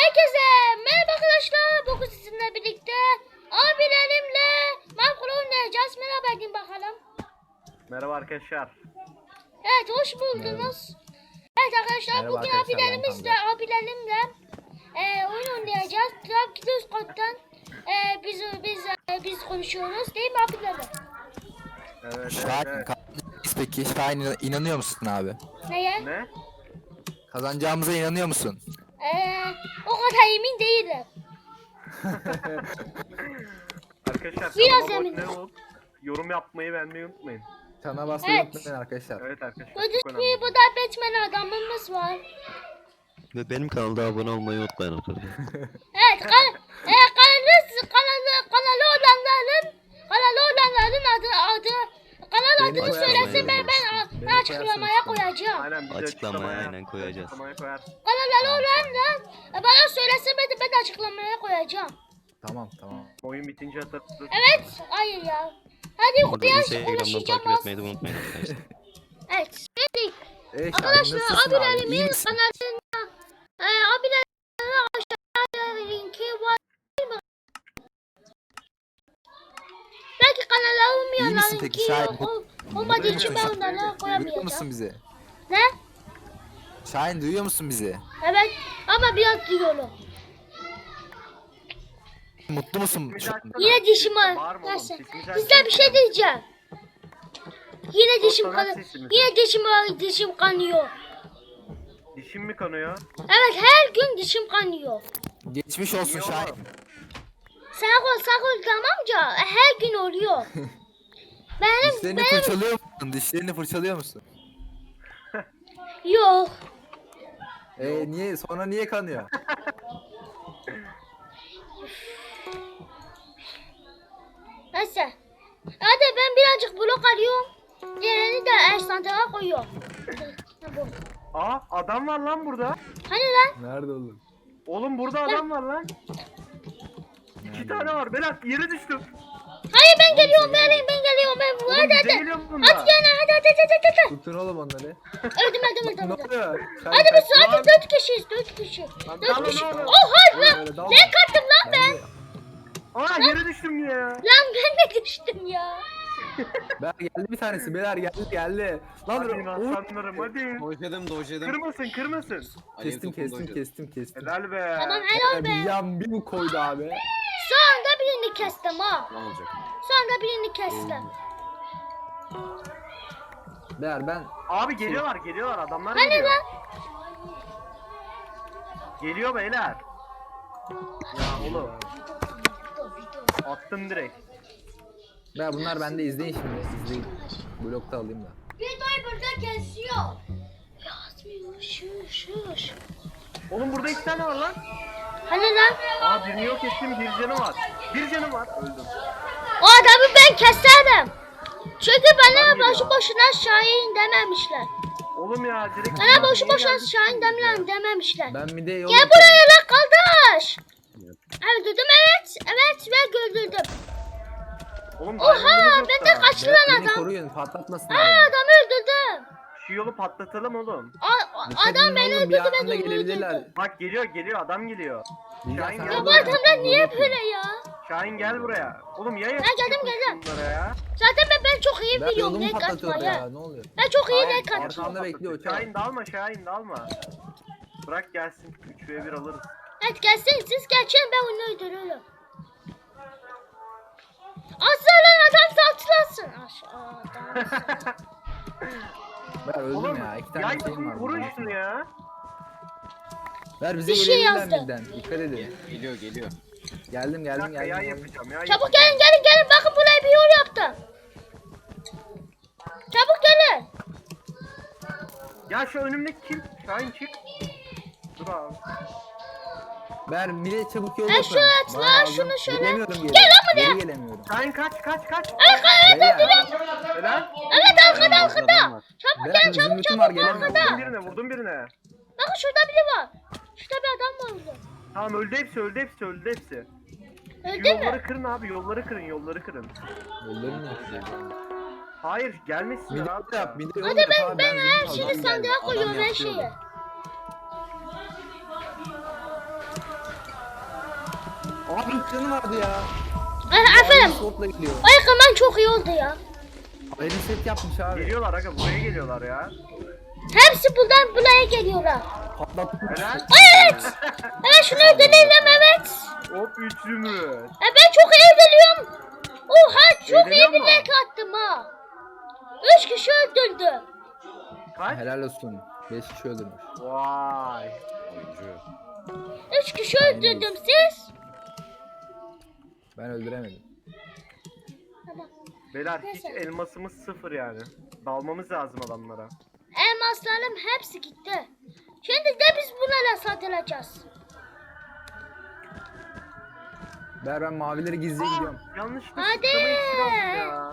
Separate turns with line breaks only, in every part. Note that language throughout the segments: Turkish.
Herkese merhaba arkadaşlar. Bugün sizinle birlikte abilerimle Minecraft oynayacağız. Merhaba edin bakalım.
Merhaba arkadaşlar.
Evet, hoş buldunuz. Evet arkadaşlar,
Merhaba
bugün
arkadaşlar,
abilerimle oyun oynayacağız. Tabii ki de üst kattan biz konuşuyoruz değil mi abilerim?
Evet,
Şahin
evet.
peki Şahin inanıyor musun abi?
Neye?
Ne?
Kazanacağımıza inanıyor musun?
O kadar emin değilim.
Arkadaşlar
Biraz
kanalıma
eminim.
abone olup yorum yapmayı beğenmeyi unutmayın.
Çana basmayı
Evet.
unutmayın arkadaşlar.
Evet arkadaşlar.
Gördüğünüz
çok
gibi
önemli.
burada Batman adamımız var.
Ve benim kanalda abone olmayı unutmayın arkadaşlar.
Evet, kanalı olanların adı kanal
Beni
adını
koyarsın,
söylesin,
beni
ben açıklamaya koyacağım.
Aynen biz
Açıklamaya aynen koyacağız.
Açıklamaya koyar.
Kanalı olanlar bana söylesin, ben açıklamaya koyacağım.
Tamam.
Oyun bitince atarız.
Evet, hayır ya. Hadi
Burada
biraz
Instagram'dan
konuşacağım.
takip etmeyi de unutmayın arkadaşlar.
Evet, şimdi
Şahin
arkadaşlar
nasılsın abi? İyi
abilerimin
misin?
kanalına abilerimin aşağıya linki var. Belki kanala
İyi
olmayanlar
misin peki
linki
Şahin?
olmadığı için ben
Duyuyor
onlara
musun
koyamayacağım.
bizi?
Ne?
Şahin duyuyor musun bizi?
Evet, ama biraz diyorum.
Mutlu musun?
Bir
şu
dakika.
an?
Yine dişim
Bağırma oğlum,
Neyse.
sesini
Size bir şey diyeceğim. Yine dişim
Fotoğraf
kan.
sesi mi?
Yine dişim kanıyor.
Dişim mi kanıyor?
Evet, her gün dişim kanıyor.
Geçmiş olsun
İyi
Şahin.
oğlum.
Sağ ol tamamca her gün oluyor.
Dişlerini fırçalıyor musun? Dişlerini fırçalıyor musun?
Yok.
Niye? Sonra niye kanıyor?
Neyse. Hadi ben birazcık blok alıyorum. Diğerini de eşantaya koyuyorum. Bu.
Aa adam var lan burada.
Hani lan?
Nerede oğlum?
Oğlum burada adam var lan. İki tane var. Berat yere düştüm.
Hayır, ben geliyorum, ben geliyorum.
Oğlum
Hadi
bize
hadi.
geliyor bunlar.
At gene, hadi.
Tutun oğlum onları.
Öldüm.
Ne oluyor?
Hadi biz hadi 4 kişiyiz, 4 kişi.
Lan
4
dalın
kişi.
oğlum.
Oha lan.
Öyle dalma.
Ne kattım lan ben?
Aa yere düştüm ya.
Lan ben de düştüm ya.
Ben geldi bir tanesi. Beyler geldi. Lan
Hadi
dur.
aslanlarım hadi.
Dojladım.
Kırmasın.
Kestim.
Helal be.
Tamam, helal be.
Bir yan bir bu koydu abi.
Sonunda birini kestim ha.
Ne olacak?
Sonunda birini kestim.
Beyler ben
Abi geliyorlar adamlar
Hani
geliyor.
lan?
Geliyor beyler. Ya oğlum attım direkt.
Beyler bunlar bende izleyin şimdi. İzleyin. Blokta alayım da.
Videoyu burada kesiyor. Yazmıyor. Şuş.
Oğlum burada iki tane var lan.
Hani lan?
Aa birini yok ettim, bir canı var. Öldüm.
O adamı ben keserim. Çünkü bana
Adam
boşu
ya.
boşuna Şahin dememişler.
Oğlum ya direkt.
Bana boşu
Niye
boşuna
geldin?
Şahin dememişler.
Ben bir de yol
Gel buraya lan kardeş. Öldürdüm, evet ve öldürdüm.
Oğlum
Oha,
diamond'ımız yok
ben
da.
de kaçtı lan
Beni
adam.
koruyun patlatmasınlar.
Aa,
beni.
adamı öldürdüm.
Şu yolu patlatalım oğlum.
Dikkat
Adam
edin
beni
oğlum, bir
öldürdü, ben
anda
de onu
gelebilirler.
öldürdüm.
Bak geliyor adam geliyor.
Bilal,
Şahin
sen
gel
Ya bu
orada
buraya.
adamlar niye
bekle.
böyle ya?
Şahin gel buraya. Oğlum ya
geldim.
bunlara ya.
Zaten ben çok iyi
Ben
biliyorum
yolumu
ne
patlatıyor
katmaya.
ya. Ne oluyor?
Ben çok iyi ne
Şahin,
katma.
Arkamda bekliyor uçak.
Şahin dalma. Bırak gelsin 3v1 alırız.
Evet, gelsin, siz geçin, ben onu öldürürüm. Aslan adam saltılasın aşağıda.
Ben öldüm
Oğlum
ya. İki
ya
tane şeyim var.
vurun şunu ya.
Ver bize
Bir şey
gelebilirler
yazdı.
bizden. Dikkat edin.
Geliyor.
Geldim.
Bir dakika ya yapacağım ya.
Çabuk gelin, bakın buraya bir yol yaptım. Çabuk gelin.
Ya şu önümdeki kim? Şahin çık. Dur abi.
Ver mile çabuk yol
Ben
yapın.
şunu at
Bana
lan,
lazım.
şunu şöyle.
Gelemiyorum geri.
Gel lan buraya.
Geri gelemiyorum.
Şahin kaç.
Beyler.
Helal.
Evet, arkada. Çabuk
Ben
gelin,
zümrütüm
çabuk
var, gelemiyorum.
arkada.
Vurdum birine.
Bakın şurada biri var. Şurada bir adam var orada.
Tamam öldü hepsi.
Öldü
Yolları
mü?
kırın abi, yolları kırın.
Yolları ne yapacağız?
Hayır gelmesinler
Mide
abi.
yap. Mide yol
Hadi
yap abi,
ben her
zümrüt
şeyi
aldım.
sandığa koyuyorum, her
yapıyor.
şeyi.
Abi hiç canı vardı ya.
Aferin.
Sword'la gidiyor.
O yıkaman çok iyi oldu ya.
Ayrı set yapmış abi.
Geliyorlar aga, buraya geliyorlar ya.
Hepsi buradan buraya geliyorlar.
Patlattı.
Helal.
Evet. Evet şunu öldürelim evet.
Hop 3 zümrüt.
Ben çok iyi öldürüyorum. Oha çok iyi
Eğleniyor
bir
mu?
renk attım ha. 3 kişi öldürdüm.
Kaç?
Helal olsun. 5 kişi öldürmüş.
Vay.
3 kişi öldürdüm siz.
Ben öldüremedim.
Tamam.
Beyler hiç
Neyse.
elmasımız 0 yani. Dalmamız lazım adamlara.
Elmaslarım hepsi gitti. Şimdi de biz bunlarla satılacağız.
Ben mavileri gizliye gidiyorum.
Yanlışlıkla
Hadi.
sıçrama iksiri aldım ya.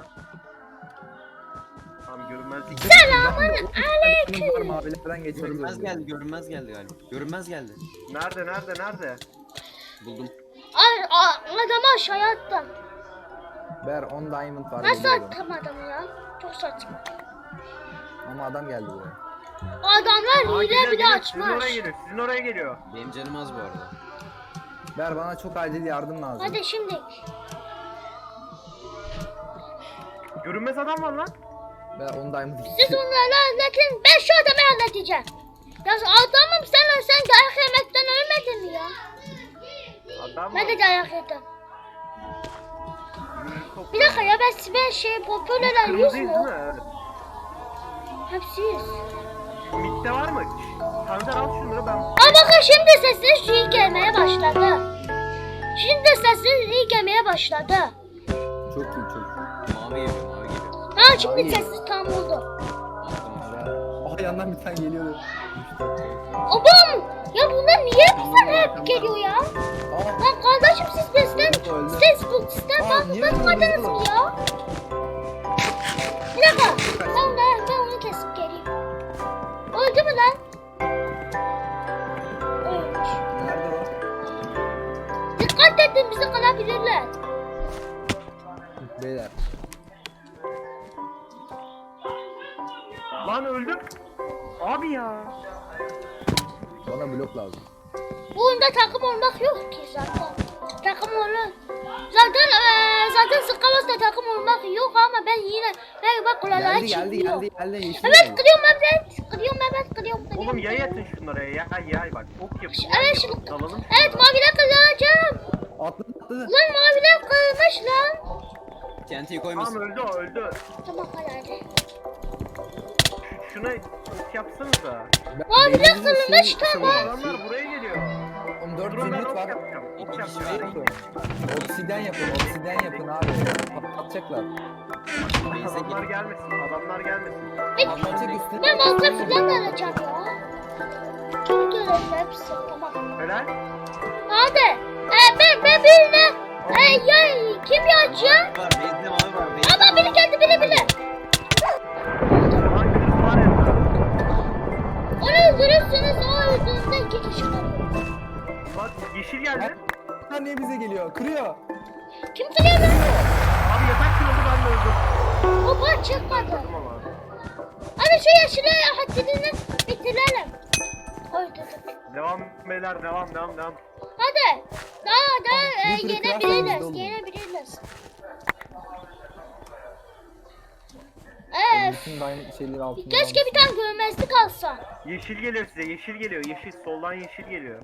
Tamam görünmezlik.
Selamun
Var,
aleyküm.
mavilerden geçeriz.
Görünmez geldi galiba. Görünmez geldi.
Nerede?
Buldum.
Adamı aşağıya attım.
Ber 10 diamond var.
Nasıl
geliyorum.
attım adamı ya? Çok saçma.
Ama adam geldi buraya.
Adamlar hile bile
Sizin oraya
açmış.
geliyor. Sizin oraya geliyor.
Benim canım az bu arada.
Ber bana çok acil yardım lazım.
Hadi şimdi.
Görünmez adam var lan.
Ber 10 diamond
Siz
gitti.
onları anlatın. Ben şu adamı anlatacağım. Ya adamım sen dayak yemekten ölmedin mi ya?
Adam
Ben
var.
de dayak yedim.
Çok-
Bir dakika ya ben şey popülerler yüz
Kırmızıyız değil
mü?
mi? Evet.
Hepsi yüz.
Mid'de var mı? Tanzer al şunları ben.
Aa bakın şimdi sesiniz iyi gelmeye başladı. Şimdi sesiniz iyi gelmeye başladı.
Çok iyi çok iyi.
Mavi geliyor, mavi geliyor.
Ha şimdi
Abi.
sessiz tam oldu.
Aha yandan bir tane geliyordu.
Obam! Ya bunlar niye bize hep geliyor ya?
Aa,
Lan kardeşim siz bizden
öldü.
sizden
Aa, niye
bakmadınız
öldü?
mı ya? Bir dakika. Ben onu kesip geleyim. Öldü mü lan? Ölmüş.
Nerede o?
Dikkat edin bizi kalabilirler.
Beyler.
Lan öldüm. Abi ya.
Bana blok lazım.
Bu oyunda takım olmak yok ki zaten. Takım olur. Zaten sıkılmazsa takım olmak yok ama ben yine bak kulağa
Geldi
çıkmıyor.
yeşil
Evet
geldi.
kırıyorum Mehmet. Kırıyorum.
Oğlum yay atın şunlara ya. Yay bak. Ok yapın.
Evet şimdi.
Dalalım.
Evet maviler kıracağım.
Atladı.
Lan maviler kırmış lan.
TNT'yi
Tamam
koymasın.
öldü.
Tamam hadi.
Şuna ok yapsanıza.
Maviler kırılmış tamam.
Adamlar buraya geliyor.
14
Durun ben
zümrüt
ok
var.
yapacağım. Ok
İki kişi
yapacağım.
var.
Obsidyen yapın abi. Patlatacaklar.
Adamlar gelmesin.
Patlatacak üstüne.
Ben balta filan alacağım ya. Kim görev hepsi tamam.
Helal.
Hadi. Ben birine. Ya kim yiyecek?
Var, bezde mavi var. Bezde
Ama biri geldi biri.
Lan kırık var ya.
Onu öldürürsünüz o öldüğünde iki kişi kalıyor.
Bak yeşil geldi.
Lan niye bize geliyor? Kırıyor.
Kim kırıyor lan?
Abi yatak kırıldı ben de öldüm.
O par çıkmadı.
Öldüm ama.
Hadi şu yeşile haddini bitirelim. Öldürdük.
Devam beyler devam.
Hadi. Daha
Bir sürü
yenebiliriz.
kıyafetimiz oldu.
Yenebiliriz.
Bütün diamond şeyleri altında.
Keşke bir tane görmezlik alsa.
Yeşil geliyor size. Yeşil geliyor. Yeşil soldan yeşil geliyor.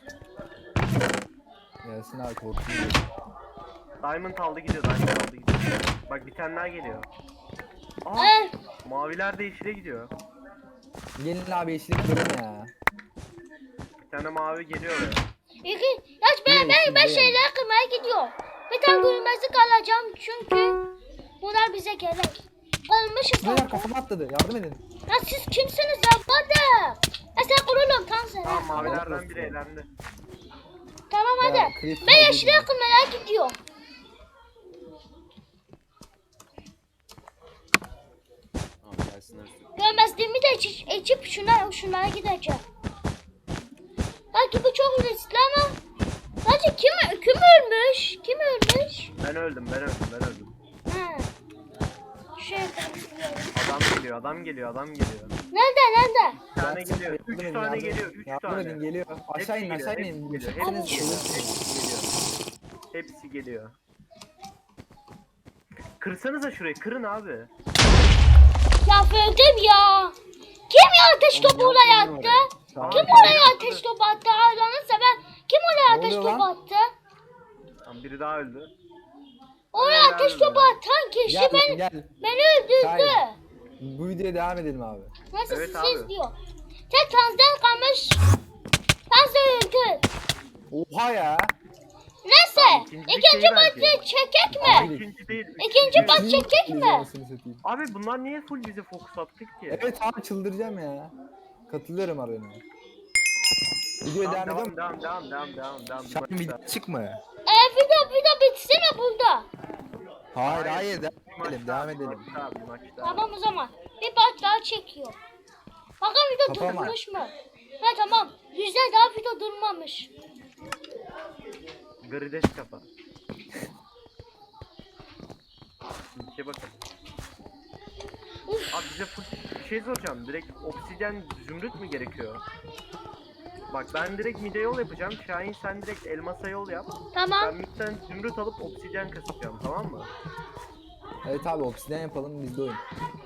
Gelsin abi korkuyor.
Diamond aldı gidiyor. Bak bir tane daha geliyor. Aa, maviler de yeşile gidiyor.
Gelin abi yeşili kıralım ya.
Bir tane mavi geliyor oraya.
Ben şeyler kırmaya gidiyorum. Bir tane görmezlik alacağım çünkü bunlar bize gerek. Olmuşuz
Beyler
zaten.
kafama atladı. Yardım edin.
Ya siz kimsiniz ya? Hadi. Sen kurulun tam sen.
Tamam mavilerden biri elendi.
Tamam hadi.
Ya, Chris
Ben
oldu
yeşile
ya.
kırmaya gidiyorum.
Abi gelsinler.
Görmezliğimi de içip şunlara gideceğim. Belki bu çok riskli ama. Hadi kim ölmüş? Kim ölmüş?
Ben öldüm.
Ha. Şöyle kırmızılayalım.
Adam geliyor.
Nerede?
Bir tane
Yardım
geliyor.
edin,
3
yardım
tane
edin.
geliyor. 3
Yardım
tane.
edin geliyor. Aşağı inin
Hepsi
aşağı
geliyor,
inin.
hepsi
Hepiniz
geliyor.
ölürsünüz.
Hepsi geliyor. Kırsanıza şurayı, kırın abi.
Ya öldüm ya. Kim ya ateş topu oraya attı? Kim oraya ateş topu attı? Allah'ını seven. Kim oraya ateş
oluyor
topu
lan?
attı?
Tamam, biri daha öldü.
Oraya
Helal
ateş
be.
topu atan kişi
Gel
beni,
gel.
beni öldürdü.
Şahin. Bu videoya devam edelim abi.
Nasıl
Evet
siz
abi.
diyor. Tek tanzdan kalmış. Tanzda öldü.
Oha ya.
Neyse.
Tamam, ikinci
İkinci
şey
maçı
belki.
çekek
Abi,
mi?
İkinci değil.
İkinci
üçüncü.
maç çekek mi?
Anasını satayım.
Abi bunlar niye full bize fokus attık ki?
Evet abi çıldıracağım ya. Katılıyorum arana. Videoya
Tamam,
devam ediyor
devam,
mu?
devam.
Şahin video çık mı?
Video bitsin mi burada?
Hayır
Bir maç
devam
daha,
edelim.
Bir maç daha, bir maç daha.
Tamam o zaman. Bir maç daha çekiyor. Bakın video
Kapama.
durmuş mu? Ha tamam. Güzel daha video durmamış.
Grides kafa. İkiye bakalım. Abi bize full bir şey soracağım. Direkt obsidyen zümrüt mü gerekiyor? Bak ben direkt mide yol yapacağım. Şahin sen direkt elmasa yol yap. Ben
Tamam.
midden zümrüt alıp obsidyen kasacağım, tamam mı?
Evet abi obsidyen yapalım bizde oyun.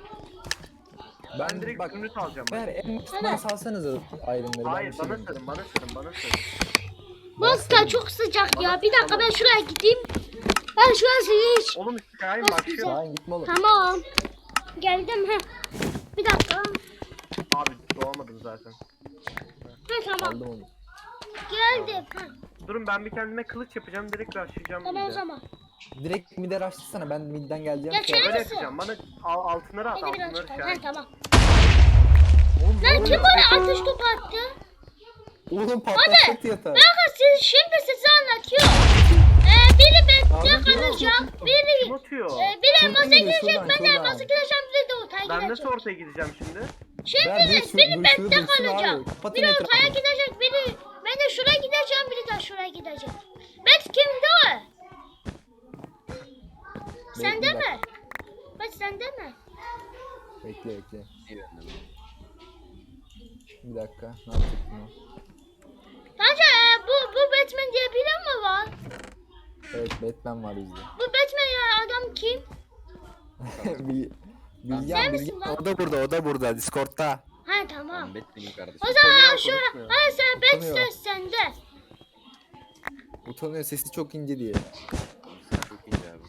Ben direkt
bak
zümrüt alacağım.
ver en başından salsanıza ayrımları.
Hayır, bana sarın, bana sarın.
Maska çok sıcak ya. Bir dakika ben şuraya gideyim. Ben şurası hiç.
Oğlum Şahin
Nasıl
başlıyor.
güzel?
Şahin gitme oğlum.
Tamam. Geldim he. Bir dakika.
Abi doğamadım zaten.
He tamam.
Aldım onu.
Geldim. Ha.
Durun ben bir kendime kılıç yapacağım, direkt rushlayacağım
Tamam o
mide.
zaman.
Direkt mide açtırsana ben midden geleceğim.
Ya şöyle
Öyle
misin?
yapacağım. Bana altınları at,
Beni biraz
altınları
çıkar.
Şahin.
He tamam.
Oğlum, ne
Lan kim
oluyor?
oraya ateş topu attı?
Oğlum patlatacaktı yatağı.
Bakın siz şimdi size anlatıyor. Biri bekle
Abi,
kalacak.
Kim
Biri
atıyor?
biri
Şuradan
elmasa
geliyor,
girecek.
şuradan,
Ben de
şuradan.
elmasa gireceğim. Biri de ortaya
Ben nasıl
girecek.
ortaya gideceğim şimdi?
Şimdi
Ben
de
dur,
biri
dur,
bekle
şurada dursun
kalacak.
abi. Kapatın
Biri ortaya
etrafını.
gidecek. Ben de şuraya gideceğim. Biri de şuraya gidecek. Bet kimde o? Sende
bir
mi? Bet sende mi?
Bekle.
İyi bende.
Bir dakika. Ne yapacak bunu?
Bence bu Batman diye biri mi var?
Evet Batman var bizde.
Bu Batman ya adam kim?
Bilgehan
misin lan?
o da burada Discord'da.
Ha tamam.
Ben benim kardeşim.
O zaman
Utanıyor,
şöyle.
konuşmuyor.
Ha sen bet
Utanıyor.
söz sende.
Utanıyor sesi çok ince diye.
Çok iyi abi.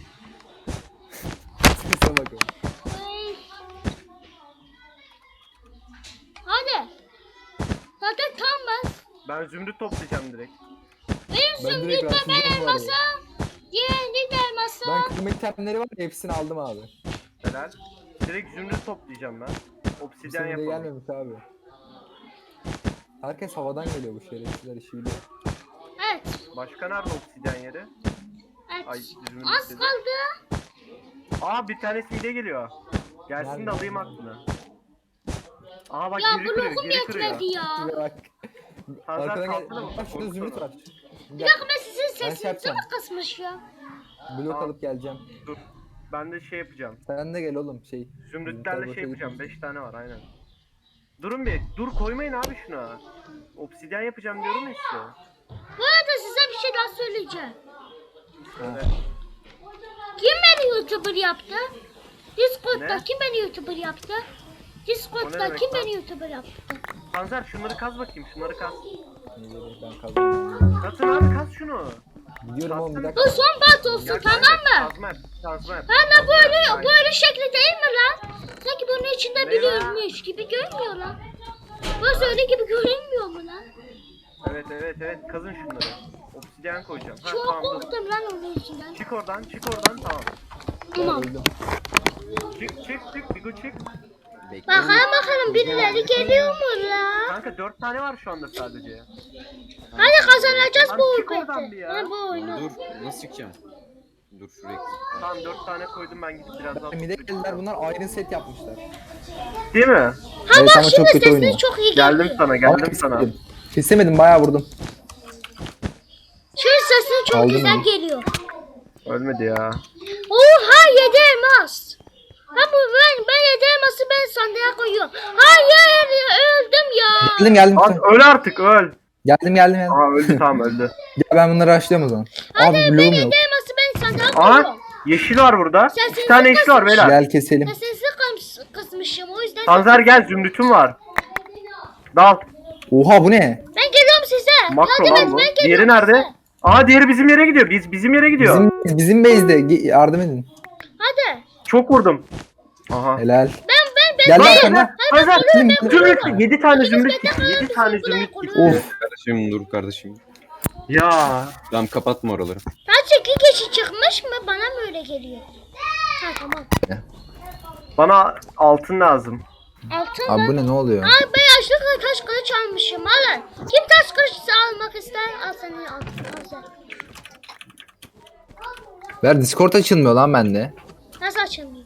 Sese bakın.
Hmm. Hadi. Zaten tam ben.
Ben zümrüt toplayacağım direkt.
Benim
Ben direkt
zümrütle ben
rastlayacağım var
elmasa. Diğerini de elmasa.
Ben kırmızı itemleri var ya hepsini aldım abi.
Helal. Direkt zümrüt toplayacağım ben.
Bu
Obsidyen
sene de
yapalım.
gelmemiş abi. Herkes havadan geliyor bu şerefsizler işi biliyor.
Evet.
Başka nerede obsidyen yeri?
Evet.
Ay zümrüt
Az
dedi.
kaldı.
Aa bir tanesi hile geliyor. Gelsin
Nerede?
de alayım aklını. Aa bak
Ya
geri kırıyor,
blokum
geri kırıyor.
yetmedi ya.
Şuraya bak.
Hazır
Arkadan gel.
kalktı mı?
Bak şurada zümrüt var.
Bir dakika ben sizin sesinizi
yapacağım.
mi kısmış ya?
Blok
Tamam.
alıp geleceğim.
Dur. Ben de şey yapacağım.
Sen de gel oğlum şey.
Zümrütlerle
boşa
şey yapacağım.
gitmesin.
5 tane var aynen. Durun bir. Dur koymayın abi şuna. Obsidyen yapacağım diyorum ya size.
Bu arada size bir şey daha söyleyeceğim.
Şöyle.
Kim beni YouTuber yaptı? Discord'da
Ne?
kim beni YouTuber yaptı?
O
Discord'da
ne demek
kim
lan?
beni YouTuber yaptı?
Panzer şunları kaz bakayım. Şunları kaz.
Ben kazandım.
Kazın abi kaz şunu.
Gidiyorum oğlum bir
Bu
dakika.
son bat olsun
Gel
tamam
kanka,
mı?
Kazma yap. Kazma yap.
Hala
kazma
böyle
yap.
böyle şekli değil mi lan? Sanki bunun içinde
Ne
biri
lan?
ölmüş gibi görünmüyor lan. Burası öyle gibi görünmüyor mu lan?
Evet. Kazın şunları. Obsidyen koyacağım. Ha
Çok
tamam dur.
korktum lan onun içinden.
Çık oradan tamam.
Tamam.
Öldüm.
Çık Bigo çık.
Bekliyorum.
Bakalım birileri geliyor mu lan?
Kanka 4 tane var şu anda sadece.
Hadi kazanacağız
Lan
bu
çık oradan bir
oyunu.
ya.
Ha, bu oyunu.
Dur nasıl çıkacağım? Dur şuraya gideyim.
Tamam 4 tane koydum ben gidip birazdan.
Mide geldiler bunlar Iron set yapmışlar.
Değil mi?
Ha
Evet,
bak
ama çok
şimdi
kötü
sesiniz
oynuyor.
çok iyi
Geldim
geliyor.
sana geldim sana.
Kesemedim bayağı vurdum.
Şimdi sesiniz çok
Aldın
güzel
mı?
geliyor.
Ölmedi ya.
Oha 7 elmas. Ha bu ben 7 elması ben sandığa koyuyorum. Hayır öldüm ya.
Geldim.
Lan öl artık öl.
Geldim.
Aha öldü, tamam öldü.
Gel ben bunları açlıyorum o zaman. Abi bloğum yok.
Elması ben sandığa
Aha
koyuyorum.
yeşil var burada.
Sen
2 tane yeşil var beyler.
Gel keselim.
Ben sesi kısmışım o yüzden.
Tanzer gel, zümrütüm var. Dal.
Oha bu ne?
Ben geliyorum size.
Makro
Yardım
lan
et,
bu.
ben geliyorum
Diğeri nerede?
size.
Aa diğeri bizim yere gidiyor. Bizim yere gidiyor.
Bizim base'de yardım edin.
Hadi.
Çok vurdum. Aha.
Helal.
Ben
Gel
Lan,
arkana.
Tanzer
Ben
zümrüt 7 tane zümrüt gitti. 7 tane zümrüt gitti.
Of.
Kardeşim dur kardeşim.
Ya.
Tamam kapatma oraları.
Sadece 2 kişi çıkmış mı? Bana mı öyle geliyor? Ha tamam.
Bana altın lazım.
Altın
Abi
mı?
bu ne oluyor?
Ay ben yaşlı taş kılıç almışım. Alın. Kim taş kılıç almak ister? Al senin altın. Al sen.
Ver Discord açılmıyor lan bende.
Nasıl açılmıyor?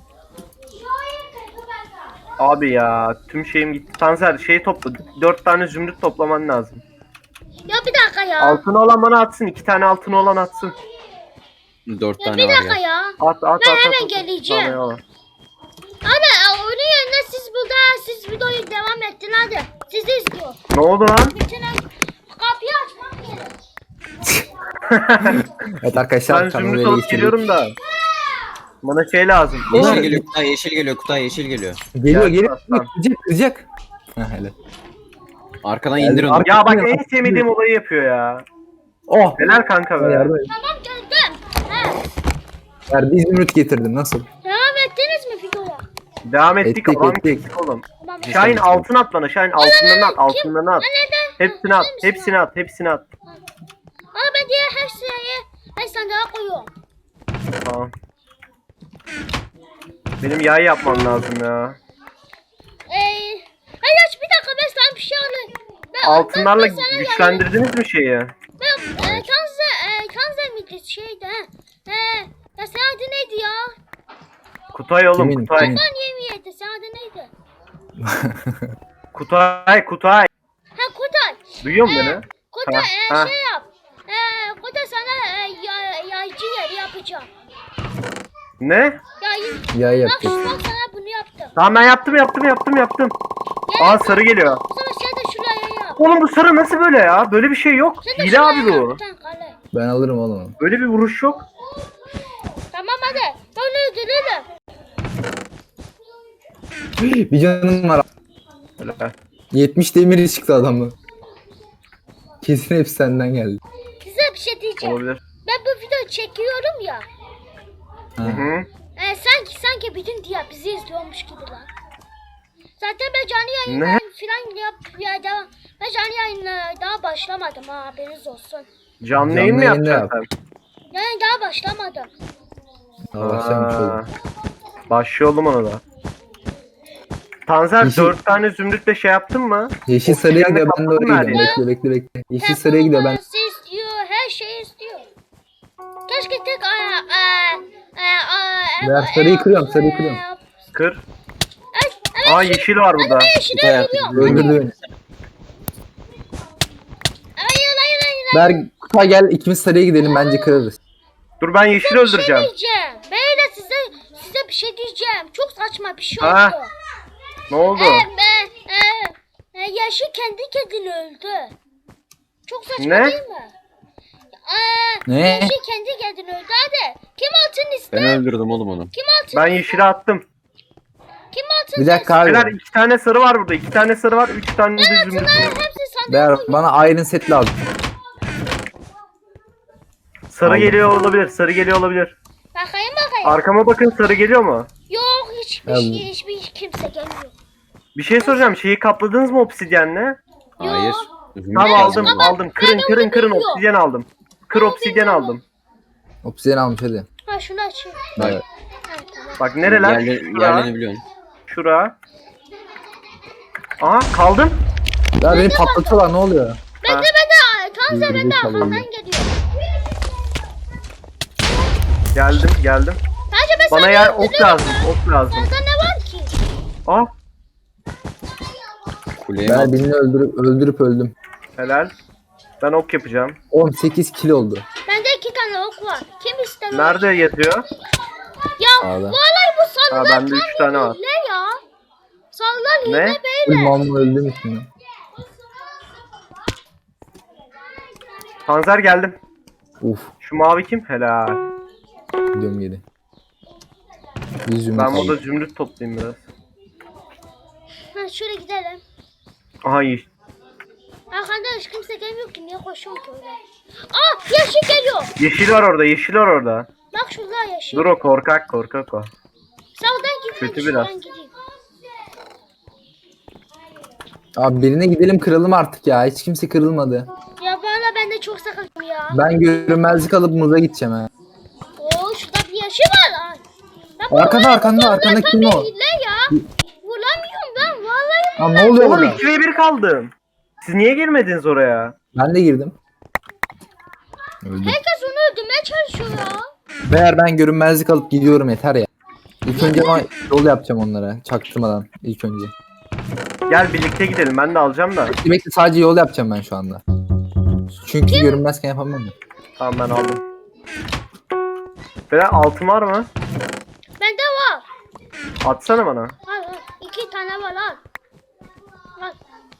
Abi ya tüm şeyim gitti. Tanzer şey topla. 4 tane zümrüt toplaman lazım.
Ya bir dakika ya.
Altını olan bana atsın. 2 tane altını olan atsın.
4
Ya
tane
bir
var
dakika
ya.
ya.
At.
Ben hemen geleceğim.
Tamam, eyvallah.
Hadi onun yerine siz videoyu devam ettin hadi. Sizi izliyor.
Ne oldu lan?
Bütün kapıyı açmak gerek.
Evet arkadaşlar
Ben
kanalı
zümrüt
ele
alıp
geçirdik.
geliyorum da. Bana şey lazım.
Bunlar-
Yeşil geliyor Kutay, yeşil geliyor Kutay, yeşil geliyor.
Geliyor
Gel,
geliyor.
tamam.
Kıracak. Ha helal.
Arkadan
Geldim.
indir onu.
Ya bak en sevmediğim olayı yapıyor ya.
Oh.
Helal kanka be.
Yardım et.
Tamam geldim. He.
Ver bir zümrüt getirdim nasıl?
Devam ettiniz mi videoya?
Devam ettik.
Ettik,
Adam
ettik.
kestik oğlum.
Tamam.
Şahin altın at bana. Şahin altınlarını at.
Kim?
Altınlarını at.
Neden?
Hepsini at. Hepsini at. Hepsini at.
Ama ben diğer her şeyi ben sandığa koyuyorum.
Tamam. Benim yay yapmam lazım ya.
Hayır bir dakika ben sana bir şey alayım.
Altınlarla
ben sana yardım-
güçlendirdiniz mi şeyi?
Ben Tanzer miydi şeydi ha? Ya sen adı neydi ya?
Kutay oğlum,
Kimin?
Kutay.
Kimin?
Lan yemiydi sen adı neydi?
Kutay.
Ha Kutay.
Duyuyor musun beni?
Kutay
Ha.
şey yap. Kutay sana yaycı yeri yapacağım.
Ne?
Yayı.
Ya
Bak
yapacak.
bak sana bunu yaptım.
Tamam ben yaptım. Aa sarı geliyor.
Sonra şey de şuraya yap.
Oğlum bu sarı nasıl böyle ya? Böyle bir şey yok.
Sen de
Hile abi
şuraya
bu.
yap, sen kale.
Ben alırım oğlum.
Böyle bir vuruş yok.
Tamam hadi. Onu öldürelim.
Bir canım var.
Helal.
70 demiri çıktı adamı. Kesin hepsi senden geldi.
Size bir şey diyeceğim.
Olabilir.
Ben bu videoyu çekiyorum ya.
Ha.
Hı.
Sanki bütün diye bizi izliyormuş gibi lan. Zaten ben canlı
Ne?
yayınlar falan ya devam. Ben canlı yayınlara daha başlamadım ha haberiniz olsun.
Canlı yayın mı
yayın da
yapacaksın sen?
Yani daha başlamadım.
Daha başlamış
Aa,
oldum.
Başlayalım ona da. Tanzer
Yeşil-
4 tane zümrütle şey yaptın mı?
Yeşil sarıya
Obsidyenle
gidiyor ben de
kapatın
oraya
her
gidiyorum.
yeri.
Bekle. Yeşil sarıya gidiyor ben.
Performansı istiyor, her şeyi istiyor. Keşke tek
Ben sarıyı kırıyorum, sarıyı kırıyorum.
Kır.
Evet,
Aa yeşil var burada.
ben yeşile
Kutay artık
geliyorum.
Öldürdü beni.
Hayır.
Ver Kutay gel ikimiz sarıya gidelim bence kırarız.
Dur ben yeşil
Bir şey
öldüreceğim.
diyeceğim. Böyle size bir şey diyeceğim. Çok saçma bir şey
Ha,
oldu.
Ne oldu?
Yaşı kendi kendine öldü. Çok saçma
Ne?
değil mi?
Ne?
Yaşı kendi kendine öldü. Hadi. Kim altın ister?
Ben öldürdüm oğlum onu.
Kim altın?
Ben yeşile attım.
Kim altın
Bir dakika abi.
Beyler 2 tane sarı var burada. 2 tane sarı var. 3 tane de zümrüt
Bunların
var.
hepsi sandığa
Ver
koyuyor.
bana iron set lazım.
Sarı
Aldım.
geliyor olabilir. Sarı geliyor olabilir.
Bakayım.
Arkama bakın, sarı geliyor mu?
Yok
Aldım.
hiçbir kimse gelmiyor.
Bir şey soracağım. Şeyi kapladınız mı obsidyenle?
Hayır.
Tamam aldım
ama
aldım. Kırın
ben
kırın
onu
kırın
bilmiyorum.
obsidyen aldım. Kır obsidyen
bilmiyorum.
aldım.
Obsidian almış hadi.
Ha şunu açayım.
Evet.
Ha, tamam.
Bak nereler?
Yerlerini biliyorsun.
Şura. Aha kaldım.
Ya beni patlatıyorlar ne oluyor?
Ha.
Tanze ben de
Birbirimizi
arkamdan
çalıyoruz.
geliyor.
Geldim.
Bence ben
Bana
sana
yer ok
öldürüyorum
lazım.
lan.
Ok lazım.
Sende ne var ki?
Ah
Kuleye
Ben
mi?
birini öldürüp öldüm.
helal. Ben ok yapacağım.
18 kill oldu.
Bende 2 tane ok var. Kim ister? onu?
Nerede yatıyor?
Ya
Sağda.
vallahi bu sallar
Ha, bende 3 tane var.
hile ya. Sallar hile
Ne?
böyle.
Mamla öldüm üstüne.
Panzer geldim.
Uf.
Şu mavi kim? Helal.
Gidiyorum geri. Yüz zümrüt
Ben
aldım.
burada zümrüt toplayayım biraz.
Ha şöyle gidelim.
Aha iyi.
Arkadaş kimse gelmiyor ki niye koşuyorum ki öyle? Aa yeşil geliyor.
Yeşil var orada, yeşil var orada.
Bak şurada yeşil.
Dur o korkak o.
Sağdan gitmek
Kötü biraz.
şuradan gideyim.
Abi birine gidelim kıralım artık ya. Hiç kimse kırılmadı.
Ya valla ben de çok sıkıldım ya.
Ben görünmezlik alıp muza gideceğim ha.
Oo şurada bir yeşil var lan. Ben bu
Arkanda,
oyunu
arkanda,
buldum,
arkanda
ben
kim
tabii
o?
hile ya. Vuramıyorum ben vallahi.
Aa, ne oluyor
Oğlum
burada?
2v1 kaldım. Siz niye girmediniz oraya?
Ben de girdim. Öldüm.
Herkes onu öldürmeye çalışıyor ya.
Meğer ben görünmezlik alıp gidiyorum yeter ya. İlk önce ama yol yapacağım onlara çaktırmadan ilk önce.
Gel birlikte gidelim, ben de alacağım da.
Demek ki sadece yol yapacağım ben şu anda. Çünkü görünmezken yapamam.
Tamam ben aldım. Beyler altın var mı?
Bende var.
Atsana bana.
Al 2 tane var al. Al.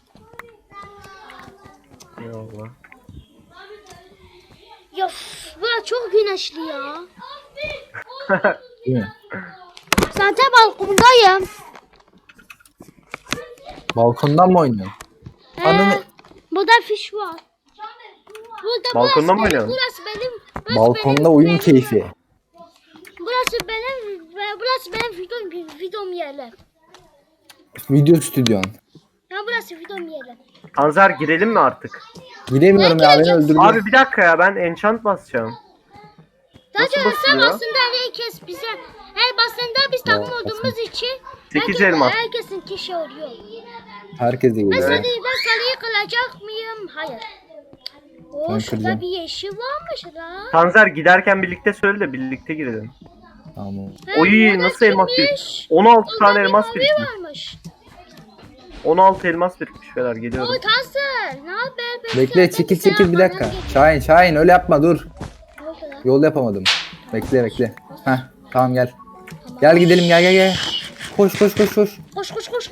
Eyvallah.
Ya burası çok güneşli ya.
Değil mi?
Zaten balkondayım.
Balkondan mı oynuyorsun? Ananı-
Burada fiş var. Burada
Balkonda mı
burası
oynuyorsun?
Burası benim. Burası
Balkonda
benim,
oyun
benim-
keyfi.
Burası benim videom yeri.
Video stüdyon.
Ya burası videom yeri.
Panzer girelim mi artık?
Giremiyorum ya beni öldürdü.
Abi bir dakika ya, ben enchant basacağım.
Zaten
Nasıl
sen
basılıyor?
aslında herkes bize her basında biz takım olduğumuz için
8 elmas.
herkesin kişi oluyor.
Herkese
Ben
geliyor.
sarıyı kılacak mıyım? Hayır. Oo
Ben
şurada
kıracağım.
bir yeşil varmış lan.
Panzer giderken birlikte söyle de birlikte girelim.
Tamam.
He,
Oy,
burada
nasıl elmas
kimmiş?
16
Orada
tane
bir
elmas
mavi
birikmiş.
varmış.
16 elmas birikmiş beyler, geliyorum.
O Tansır. Ne haber? Ben
Bekle
senden
çekil
selam
çekil bir dakika.
falan geliyor.
Şahin öyle yapma dur.
Ne oldu lan?
Yol yapamadım. Bekle. Heh tamam gel. Gel gidelim gel. Koş.
Koş koş.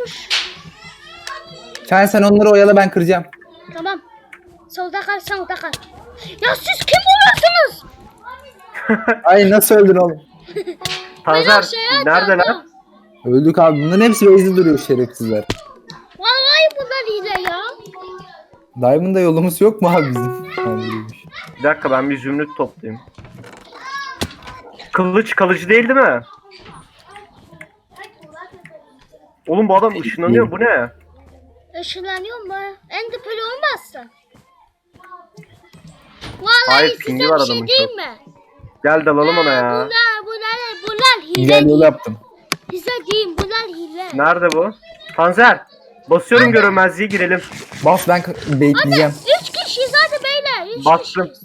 Şahin sen onları oyala ben kıracağım.
Tamam. Solda kal, sağda kal. Ya siz kim oluyorsunuz?
Ay nasıl öldün oğlum?
Panzer
aşağıya
nerede
atladım.
lan?
Öldük abi. Bunların hepsi base'de duruyor şerefsizler.
Vallahi bunlar hile ya.
Diamond'da yolumuz yok mu abi bizim? Yani değilmiş.
Bir dakika ben bir zümrüt toplayayım. Kılıç kalıcı değil mi? Oğlum bu adam ışınlanıyor, bu ne?
Işınlanıyor mu? Ender Pearl olmazsa. Vallahi
Hayır,
size
pingi
bir
var
şey
adamın
diyeyim
çok.
mi?
Gel dalalım ona ya.
Bunlar hile
Güzel yol
değil.
yaptım.
Size diyeyim bunlar hile.
Nerede bu? Panzer. Basıyorum görünmezliğe, girelim.
Bas ben bekleyeceğim.
3 kişi zaten beyler. 3
Bastım.
kişi.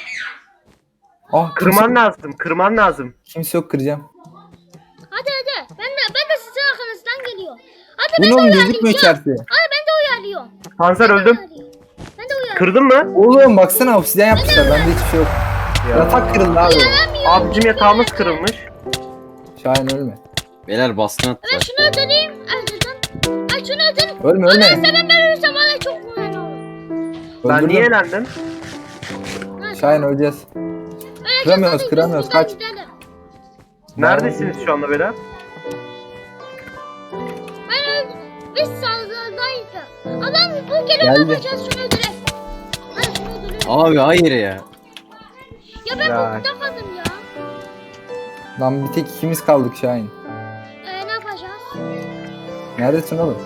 Ah
Kırman lazım, kırman lazım.
kimse yok kıracağım.
Hadi. Ben de sizin arkanızdan geliyor. Hadi
Bu
ben
ne
de
oğlum gözükmüyor
uyarlayacağım.
içerisi.
Hadi ben de uyarlıyorum.
Panzer öldüm.
Ben de uyarlıyorum.
Kırdın mı?
Oğlum baksana obsidyen yapmışlar bende hiçbir şey yok. Yatak kırıldı abi.
Abi bizim yatağımız kırılmış.
Şahin ölme.
Beyler baskın
Ben
attılar.
şunu öldüreyim. Öldürdüm. Ay şunu öldüreyim.
Ölme
Ondan
ölme.
sonra ben ölürsem bana çok güzel olur.
Ben niye
Öldürdüm.
elendim?
Şahin öleceğiz.
Öyle
Kıramıyoruz,
hadi,
kıramıyoruz,
biz buradan
kaç.
gidelim.
Neredesiniz şu anda beyler?
Biz saldırıdaydık. Adam bu kere
Geldi.
ne yapacağız şunu öldürelim. Hadi şunu öldürelim.
Abi hayır ya.
Ya ben
Ya.
burada kaldım ya.
Lan bir tek ikimiz kaldık Şahin.
Ne yapacağız?
Neredesin oğlum?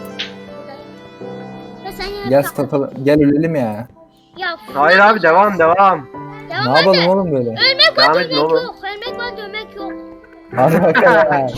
Ya sen yine
Gel
tak-
statalım. Gel ölelim ya.
Ya
Hayır abi, devam.
devam
Ne yapalım oğlum böyle?
Ölmek
Devam
var
edin
dövmek
oğlum.
yok. Ölmek var dövmek yok.
Hadi bakalım.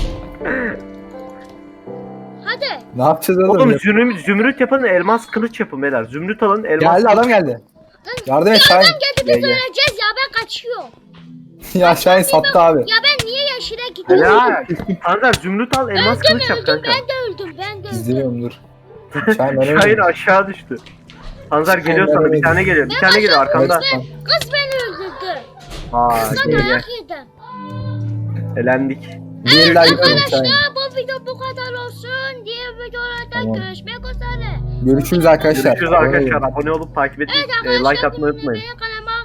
Hadi.
Ne yapacağız oğlum?
Oğlum zümrüt yapın, elmas kılıç yapın beyler. Zümrüt alın, elmas
Geldi adam geldi. Yardım et Şahin.
Adam geldi biz
Gel, gel.
öleceğiz ya ben kaçıyorum.
Ya Şahin sattı abi.
Ya ben niye yeşile gidiyorum?
Helal. Panzer zümrüt al, elmas kılıç yap kanka.
Ben de öldüm.
İzlemiyorum dur. Şahin ben
Şahin
ölmedim.
aşağı düştü. Panzer geliyor
ben
sana, bir
öyle
tane geliyor. Bir tane geliyor arkanda.
Evet,
Kız beni öldürdü.
Aa,
Kızla
gel gel.
dayak yedim.
Elendik.
Bir el daha gidelim Şahin.
Arkadaşlar bu video bu kadar olsun. Diğer videolarda
Tamam.
görüşmek üzere.
Görüşürüz arkadaşlar.
Görüşürüz arkadaşlar. Abone olup takip edin.
Evet arkadaşlar
Like atmayı unutmayın.
benim kanalıma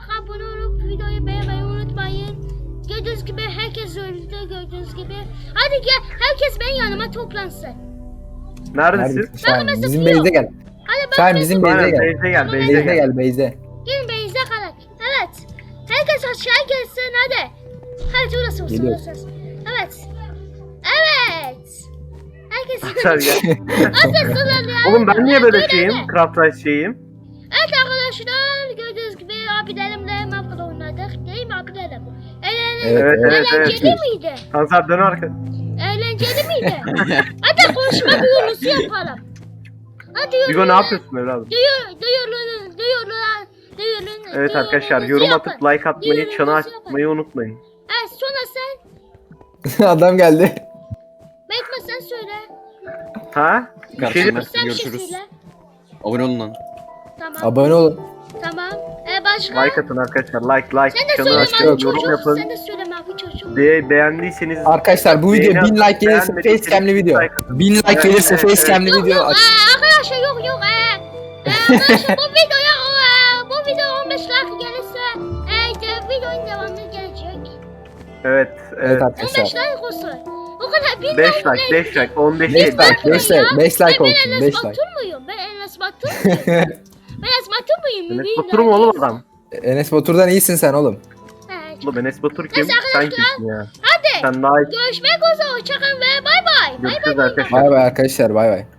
Hadi gel. Herkes benim yanıma toplansın.
Neredesin?
Neredesin Şahin?
mesela
Bizim
yok.
base'e gel.
Hadi bak.
Şahin bizim base'e
Aynen
gel.
base'e gel, base'e
Base'e
gel.
gel base'e.
Gelin beyze kalak. Evet. Herkes aşağı gelsin hadi. Hadi orası olsun
Geliyor.
orası. Evet. Evet. Herkes
Arkadaşlar gel.
Herkes kullanıyor.
Oğlum ben niye böyle
Evet,
şeyim?
evet.
Craft Rice şeyim.
Evet arkadaşlar gördüğünüz gibi abilerimle Minecraft oynadık. Değil mi abilerim?
Evet,
evet,
Eğlenceli
evet.
miydi?
Kanser dön arka.
Eğlenceli miydi? Hadi konuşma duyurusu yapalım. Hadi
Hugo ne yapıyorsun evladım?
Duyurun.
Evet arkadaşlar yorum atıp like atmayı, çanı açmayı unutmayın.
Evet sonra sen.
Adam geldi.
Bekle sen söyle.
Ha?
Karşımda.
Sen bir şey
Görüşürüz.
söyle.
Abone olun lan.
Tamam.
Abone olun.
Tamam. Başka?
Like atın arkadaşlar. Like.
Sen de
Çanı
söyle
açın,
mavi
yorum
çocuk.
yapın.
Sen de söyle mavi çocuk.
Beğendiyseniz
Arkadaşlar bu video
Beğeni
1000 like gelirse
beğenmediyseniz
facecam'li video.
like atın.
1000 like
Evet,
gelirse
evet,
facecam'li
Yok
video
yok
aç.
arkadaşlar yok. Arkadaşlar bu videoya 15 like gelirse videonun devamı gelecek.
Evet.
Evet
15
arkadaşlar.
like olsun. O kadar 1000
5
like.
like, 5 like, 15
5
değil.
like, 5 like, 5 like
Ben
olsun,
Enes
5
Batur
like.
muyum? Ben Enes Batur muyum? Ben Enes Batur muyum?
Enes Batur mu oğlum adam?
Enes Batur'dan iyisin sen oğlum.
Oğlum Enes Batur kim?
Neyse
Sen
arkadaşlar.
kimsin ya?
Hadi
Sen daha iyi.
görüşmek üzere. Hoşçakalın ve bay bay. Bay
Görüşürüz
bay.
arkadaşlar.
Bay bay arkadaşlar bay bay.